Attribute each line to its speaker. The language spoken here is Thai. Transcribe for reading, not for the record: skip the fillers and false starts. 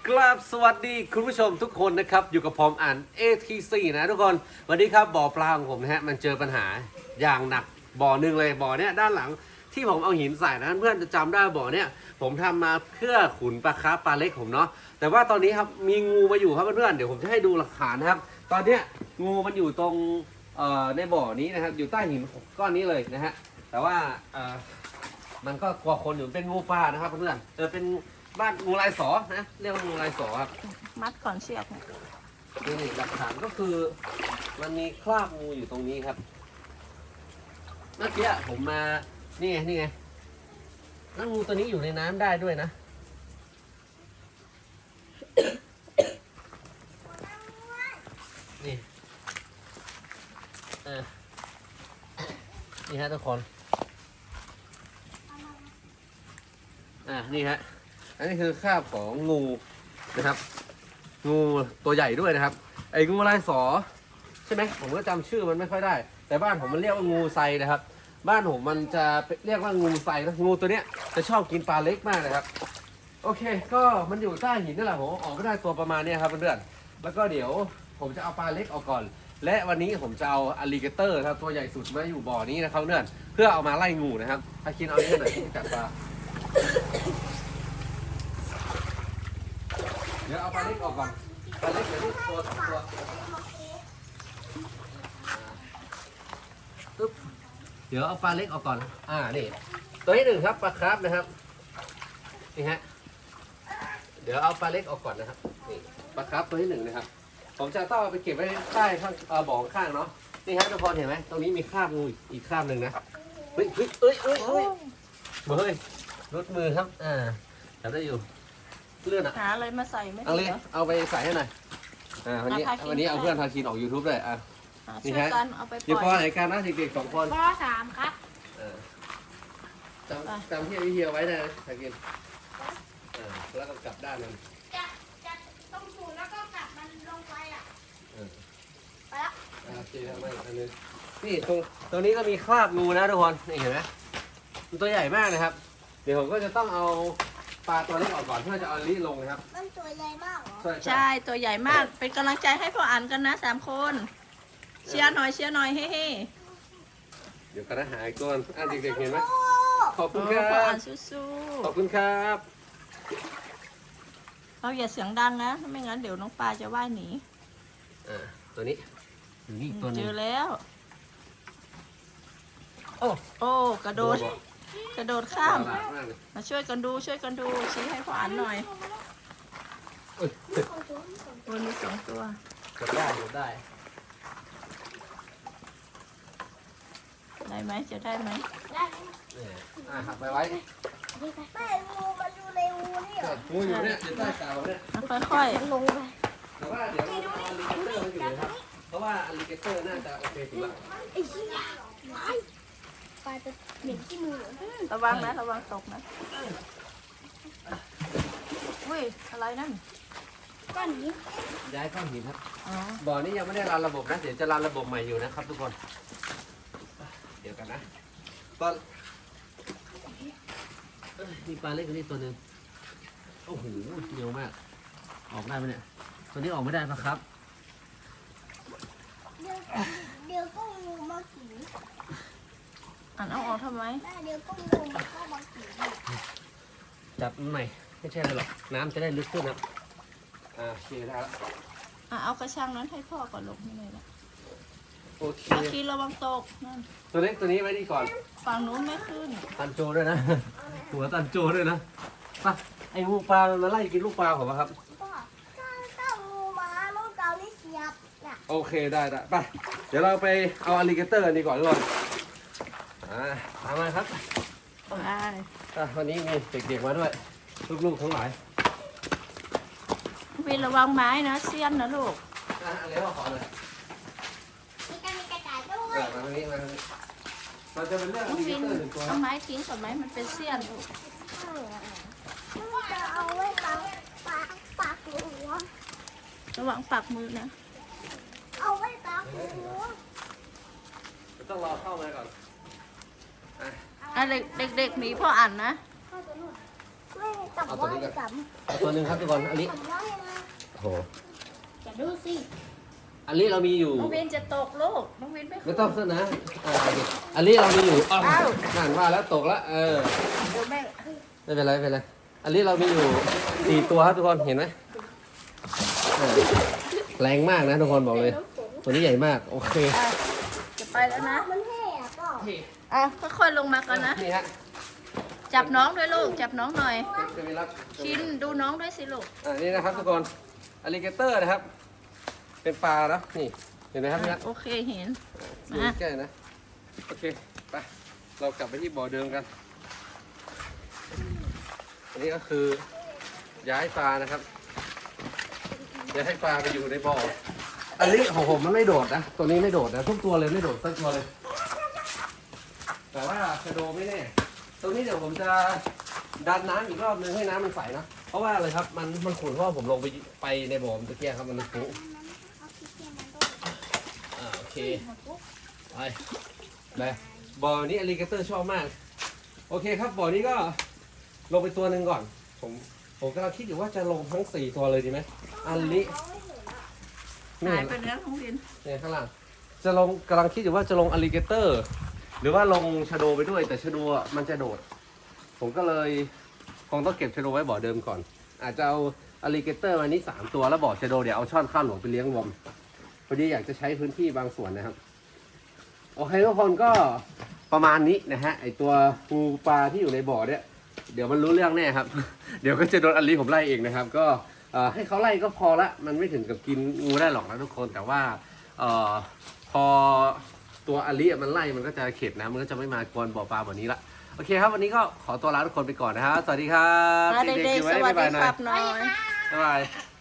Speaker 1: กราบสวัสดีคุณผู้ชมทุกคนนะครับอยู่กับผมอ่าน ATC นะทุกคนวันนี้ครับบ่อปลาของผมนะฮะมันเจอปัญหาอย่างหนักบ่อหนึ่งเลยบ่อเนี้ยด้านหลังที่ผมเอาหินใส่นะเพื่อนจะจำได้บ่อเนี้ยผมทำมาเพื่อขุนปลาคาร์ฟปลาเล็กผมเนาะแต่ว่าตอนนี้ครับมีงูมาอยู่ครับเพื่อนๆเดี๋ยวผมจะให้ดูหลักฐานนะครับตอนเนี้ยงูมันอยู่ตรงในบ่อนี้นะครับอยู่ใต้หินก้อนนี้เลยนะฮะแต่ว่ามันก็กลัวคนอยู่เป็นงูปลานะครับเพื่อนเป็นบ้านงูลายสอนะเรียกว่างูลายสอครับ
Speaker 2: มัดก่อนเชือก
Speaker 1: นี่หลักฐานก็คือมันมีคราบงูอยู่ตรงนี้ครับเมื่อกี้ผมมานี่ไงแล้วงูตัวนี้อยู่ในน้ำได้ด้วยนะ นี่นี่ฮะทุกคนนี่ฮะอันนี้คือคราบของงูนะครับงูตัวใหญ่ด้วยนะครับไอ้งูลายสอใช่ไหมผมก็จำชื่อมันไม่ค่อยได้ แต่บ้านผมมันเรียกว่างูไซนะครับบ้านผมมันจะเรียกว่างูไซนะงูตัวเนี้ยจะชอบกินปลาเล็กมากนะครับโอเคก็มันอยู่ใต้หินนั่นแหละผมออกไม่ได้ตัวประมาณนี้ครับเพื่อนๆแล้วก็เดี๋ยวผมจะเอาปลาเล็กออกก่อนและวันนี้ผมจะเอาอลิเกเตอร์ครับตัวใหญ่สุดมาอยู่บ่อนี้นะครับเพื่อนเพื่อเอามาไล่งูนะครับถ้าคิดเอาที่ไหนที่จับปลาเดี๋ยวเอาปลาเล็กออกก่อนปลาเล็กเดี๋ยวตัวปึ๊บเดี๋ยวเอาปลาเล็กออกก่อนนี่ตัวที่หนึ่งครับปลาคราฟนะครับนี่ฮะเดี๋ยวเอาปลาเล็กออกก่อนนะครับนี่ปลาคราฟตัวที่หนึ่งนะครับผมจะต้องเอาไปเก็บไว้ใต้ข้างบ่อข้างเนาะนี่ฮะทุกคนเห็นไหมตรงนี้มีคราบงูอีกคราบหนึ่งนะเฮ้ยเฮ้ยรุดมือครับจับได้อยู่เลื่อนอ่ะ
Speaker 2: หาอะไรมาใส่ไม่
Speaker 1: เอา
Speaker 2: ได้
Speaker 1: เลย
Speaker 2: เหรอ
Speaker 1: เอาไปใส่ให้หน่อยวันนี้เอาเพื่อนพาคินออก YouTube เลยนี่
Speaker 2: ช่วย
Speaker 1: ฮะ
Speaker 2: กันเอาไปป
Speaker 1: อยู่ป
Speaker 2: ล่
Speaker 1: อ
Speaker 2: อย
Speaker 1: ไหนกันนะเด็กๆ2 คน
Speaker 3: ป .3 ครับ
Speaker 1: จำที่ไอเฮียไว้นะพาคินแล้วก็กลับด้านนั้น
Speaker 3: จะต้องสูนแล้วก็กลับมันลงไปอ่ะ ไปละ
Speaker 1: โอเคทำไมอันนึงนี่ตรงนี้ก็มีคราบงูนะทุกคนนี่เห็นไหมมันตัวใหญ่มากนะครับ เดี๋ยวผมก็จะต้องเอาปลาตัวเล็กออกก่อนเพื่อจะเอาลิลงนะครับ
Speaker 3: มันตัวใหญ่มากเหรอ
Speaker 2: ใช่ตัวใหญ่มากเป็นกำลังใจให้พ่ออันกันนะ3 คนเชียร์หน่อยเฮ้
Speaker 1: เดี๋ยวกันนะหาอีกตัวเด็กๆเห็นไหมขอบ
Speaker 2: ๆ
Speaker 1: คุณครั
Speaker 2: พ่ออั
Speaker 1: บ
Speaker 2: นสู้
Speaker 1: ขอบคุณครับ
Speaker 2: ๆเราอย่าเสียงดังนะไม่งั้นเดี๋ยวน้องปลาจะว่ายหนี
Speaker 1: ตัวนี้อยู่นี่อีกตัวหนึ
Speaker 2: เจ
Speaker 1: ง
Speaker 2: อแล้ว
Speaker 1: โอ้
Speaker 2: โอ้กระโดดข้าม
Speaker 1: ฉลาดมากเลย
Speaker 2: มาช่วยกันดูชี้ให้พ่ออันหน่อย
Speaker 1: เอ้ย
Speaker 2: ตัวมี2 ตัว
Speaker 1: กดได้
Speaker 2: ได้ไหมจะได้ไหม
Speaker 3: ได้ไหม
Speaker 1: เนี่ยหักไปไว้
Speaker 3: ไม่งูมันอยู่ในงูนี่เหรอ
Speaker 1: งูอยู่เนี่ยอยู่ใต้กาวเนี่ย
Speaker 2: ค่อย
Speaker 3: มันลงไป
Speaker 1: แต่ว่าเดี๋ยวเราเอาอลิเกเตอร์มาอยู่นะครับ เพราะว่าอลิเกเตอร์น่าจะโอเคสุดละ
Speaker 3: ไอ้เหี้ยปลาจะเหม็นที่มือเหรอ
Speaker 2: ๆระวังนะระวังตกนะอุ้ยอะไรนั่น
Speaker 3: ก้อนนี้
Speaker 1: ย้ายก้อนหินครับ
Speaker 2: อ๋อ
Speaker 1: บ่อนี้ยังไม่ได้รันระบบนะ เดี๋ยวจะรันระบบใหม่อยู่นะครับทุกคน เดี๋ยวกันนะก็มีปลาเล็กกว่านี้ตัวหนึ่งโอ้โหเหนียวมาก ออกได้ไหมเนี่ย ตัวนี้ออกไม่ได้ปะครับ
Speaker 3: เดี๋ยวก็งูมากิน
Speaker 2: อ่านเอาออกทำไม
Speaker 3: เดี๋ยวก็งูมันก็มากิน
Speaker 1: จับมันใหม่ ไม่ใช่อะไรหรอก น้ำจะได้ลึกขึ้นครับโอเคได้แล้ว
Speaker 2: เอากระชังนั้นให้พ่อก่อนลงนี่เลยนะ
Speaker 1: โอเค
Speaker 2: อาคีระวังตกนั่น
Speaker 1: ตัวเล็กตัวนี้ไว้ดีก่อน
Speaker 2: ฝั่งนู้นไม่ขึ้น
Speaker 1: ตันโจด้วยนะ หัวตันโจด้วยนะไปไอ้งูปลามันมาไล่กินลูกปลาผมอะครับ
Speaker 3: ถ้างูมาลูกเกานี่เสียบน่ะ
Speaker 1: โอเคได้ไปเดี๋ยวเราไปเอาอลิเกเตอร์กันดีกว่าทุกคนตามมาครับ
Speaker 2: ได้
Speaker 1: วันนี้มีเด็กๆมาด้วย ลูกๆทั้งหลาย
Speaker 2: วินระวังไม้นะเสี้ยนนะลูก
Speaker 1: อะไรว่าขอเลย
Speaker 3: มีกระต่ายด้ว
Speaker 1: มาย ทางนี้มาทางนี้เราจะเป็นเรื่องอ
Speaker 2: น้อง
Speaker 1: ลิเก
Speaker 2: วิน
Speaker 1: เตอร์หนึ่งตัวค
Speaker 2: เอา
Speaker 1: รับ
Speaker 2: ไม้ทิ้งก่อนไหมมันเป็นเสี้ยนลูก
Speaker 3: จะเอาไว้ปากหัว
Speaker 2: ระวังปักมือนะ
Speaker 3: เอาไว้ปากหัว
Speaker 1: ต้องรอเข้ามาก่อน
Speaker 2: เด็กๆหนีพ่ออ่านนะ
Speaker 3: เข้าตัวนู่นจับ
Speaker 1: เอาตัว
Speaker 3: ว่า
Speaker 1: นี้ก่อน
Speaker 3: จับ
Speaker 1: เอาตัวหนึ่งครับทุกคนอันนี้
Speaker 3: จับว่า
Speaker 1: โอ้โห
Speaker 3: จะดูสิ
Speaker 1: อันนี้เรามีอยู่
Speaker 2: น้องวินจะตกลูกน้องวินไม่
Speaker 1: ไม่ต้องเส้นนะอันนี้เรามีอยู่อ้าว
Speaker 2: อ้าว
Speaker 1: นั่นว่าแล้วตกแล้ว
Speaker 2: เดี๋ยวแม่
Speaker 1: ไม่เป็นไรไม่เป็นไรอันนี้เรามีอยู่4ตัวครับทุกคนเห็นไหมแรงมากนะทุกคนบอกเลย ตัวนี้ใหญ่มากโอเค
Speaker 2: อ่ะจะไปแล้วนะ
Speaker 3: มันแห่ก็
Speaker 2: อ่ะค่อยๆลงมาก่อนนะ
Speaker 1: นี่ฮะ
Speaker 2: จับน้องด้วยลูกจับน้องหน่อย
Speaker 1: จะมีรับ
Speaker 2: ชินดูน้องด้วยสิลูก
Speaker 1: นี่นะครับทุกคนอลิเกเตอร์นะครับ เป็นปลาแล้วนี่เห็นไหมครับพี่นัท
Speaker 2: โอเคเห็น
Speaker 1: ดูใกล้นะโอเคไปเรากลับไปที่บ่อเดิมกัน อันนี้ก็คือย้ายปลานะครับย้ายให้ปลาไปอยู่ในบ่ออันนี้ของผมมันไม่โดดนะตัวนี้ไม่โดดนะทุกตัวเลยไม่โดดสักตัวเลย แต่ว่าชะโดไม่แน่ตรงนี้เดี๋ยวผมจะดันน้ำอีกรอบนึงให้น้ำมันใสนะเพราะว่าอะไรครับมันขุ่นเพราะว่าผมลงไปในบ่อมันตะเกียครับมันฟุ้งโอเคไปบ่อนี้อลิเกเตอร์ชอบมากโอเคครับบ่อนี้ก็ลงไปตัวหนึ่งก่อนผมกำลังคิดอยู่ว่าจะลงทั้ง4ตัวเลยดีไหมอันลิ
Speaker 2: หายไปแล้วน้องวิน
Speaker 1: เนี่ยข้างล่างจะลงกำลังคิดอยู่ว่าจะลงอลิเกเตอร์หรือว่าลงชะโดไปด้วยแต่ชะโดมันจะโดดผมก็เลยคงต้องเก็บชะโดไว้บ่อเดิมก่อนอาจจะเอาอลิเกเตอร์มานี้3ตัวแล้วบ่อชะโดเดี๋ยวเอาช่อนข้าวหลวงไปเลี้ยงวอมพอดีอยากจะใช้พื้นที่บางส่วนนะครับโอเคทุกคนก็ประมาณนี้นะฮะไอตัวปูปลาที่อยู่ในบ่อเนี่ยเดี๋ยวมันรู้เรื่องแน่ครับ เดี๋ยวก็จะโดนอลิผมไล่เองนะครับก็ให้เขาไล่ก็พอละมันไม่ถึงกับกินงูได้หรอกนะทุกคนแต่ว่าพอตัวอลิมันไล่มันก็จะเข็ดนะมันก็จะไม่มากวนบ่อปลาแบบนี้ละโอเคครับวันนี้ก็ขอตัวลาทุกคนไปก่อนนะครับสวัสดีครับ
Speaker 2: เด็กๆสวัสดีครับหน่อย
Speaker 1: บ๊ายบาย